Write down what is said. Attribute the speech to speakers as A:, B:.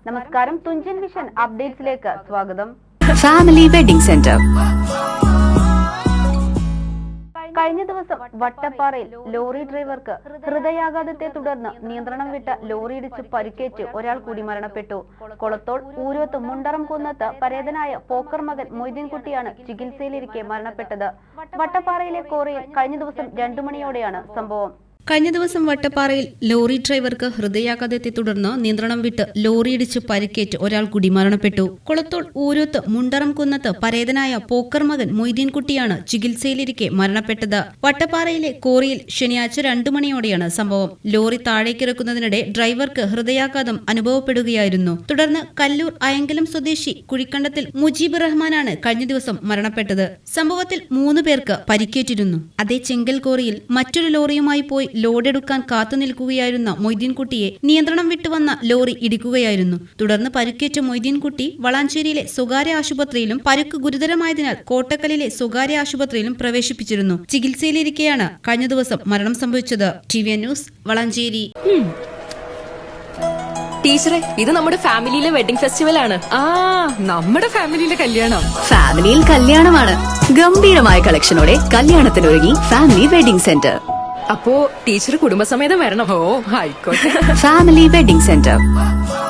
A: നമസ്കാരം, തുഞ്ചൻ വിഷൻ അപ്ഡേറ്റ്സിലേക്ക് സ്വാഗതം.
B: Family wedding centre.
A: കഴിഞ്ഞ ദിവസം വട്ടപ്പാറയിൽ ലോറി ഡ്രൈവർക്ക് ഹൃദയാഘാതത്തെ തുടർന്ന് നിയന്ത്രണം വിട്ട ലോറിയിടിച്ച് പരിക്കേറ്റ് ഒരാൾ കൂടി മരണപ്പെട്ടു. കൊളത്തോൾ ഊരോത്ത് മുണ്ടറം കുന്നത്ത് പരേതനായ പോക്കർ മകൻ മൊയ്തീൻകുട്ടിയാണ് ചികിത്സയിലിരിക്കെ മരണപ്പെട്ടത്. വട്ടപ്പാറയിലെ കോറിയിൽ കഴിഞ്ഞ ദിവസം 2 മണിയോടെയാണ് സംഭവം.
B: കഴിഞ്ഞ ദിവസം വട്ടപ്പാറയിൽ ലോറി ഡ്രൈവർക്ക് ഹൃദയാഘാതത്തെ തുടർന്ന് നിയന്ത്രണം വിട്ട് ലോറിയിടിച്ച് പരിക്കേറ്റ് ഒരാൾ കൂടി മരണപ്പെട്ടു. കൊളത്തോൾ ഊരോത്ത് മുണ്ടറം കുന്നത്ത് പരേതനായ പോക്കർ മകൻ മൊയ്തീൻകുട്ടിയാണ് ചികിത്സയിലിരിക്കെ മരണപ്പെട്ടത്. വട്ടപ്പാറയിലെ കോറിയിൽ ശനിയാഴ്ച 2 മണിയോടെയാണ് സംഭവം. ലോറി താഴേക്കിറക്കുന്നതിനിടെ ഡ്രൈവർക്ക് ഹൃദയാഘാതം അനുഭവപ്പെടുകയായിരുന്നു. തുടർന്ന് കല്ലൂർ അയങ്കലം സ്വദേശി കുഴിക്കണ്ടത്തിൽ മുജീബ് റഹ്മാനാണ് കഴിഞ്ഞ ദിവസം മരണപ്പെട്ടത്. സംഭവത്തിൽ 3 പേർക്ക് പരിക്കേറ്റിരുന്നു. അതേ ചെങ്കൽ കോറിയിൽ മറ്റൊരു ലോറിയുമായി പോയി ലോഡെടുക്കാൻ കാത്തുനിൽക്കുകയായിരുന്ന മൊയ്തീൻകുട്ടിയെ നിയന്ത്രണം വിട്ടുവന്ന ലോറി ഇടിക്കുകയായിരുന്നു. തുടർന്ന് പരിക്കേറ്റ മൊയ്തീൻകുട്ടി വളാഞ്ചേരിയിലെ സ്വകാര്യ ആശുപത്രിയിലും പരുക്ക് ഗുരുതരമായതിനാൽ കോട്ടക്കലിലെ സ്വകാര്യ ആശുപത്രിയിലും പ്രവേശിപ്പിച്ചിരുന്നു. ചികിത്സയിലിരിക്കെയാണ് കഴിഞ്ഞ ദിവസം മരണം സംഭവിച്ചത്. TVN news, Valanchery.
C: ടീച്ചറെ, ഇത് നമ്മുടെ ഫാമിലിയിലെ വെഡിംഗ് ഫെസ്റ്റിവൽ ആണ്.
D: നമ്മുടെ ഫാമിലിയിലെ കല്യാണം.
B: ഫാമിലിയിൽ കല്യാണമാണ്. ഗംഭീരമായ കളക്ഷനോടെ കല്യാണത്തിനൊരുങ്ങി ഫാമിലി വെഡിംഗ് സെന്റർ.
C: അപ്പോ ടീച്ചർ കുടുംബസമേതം വരണം.
D: ഓ, ആയിക്കോട്ടെ.
B: Family wedding centre.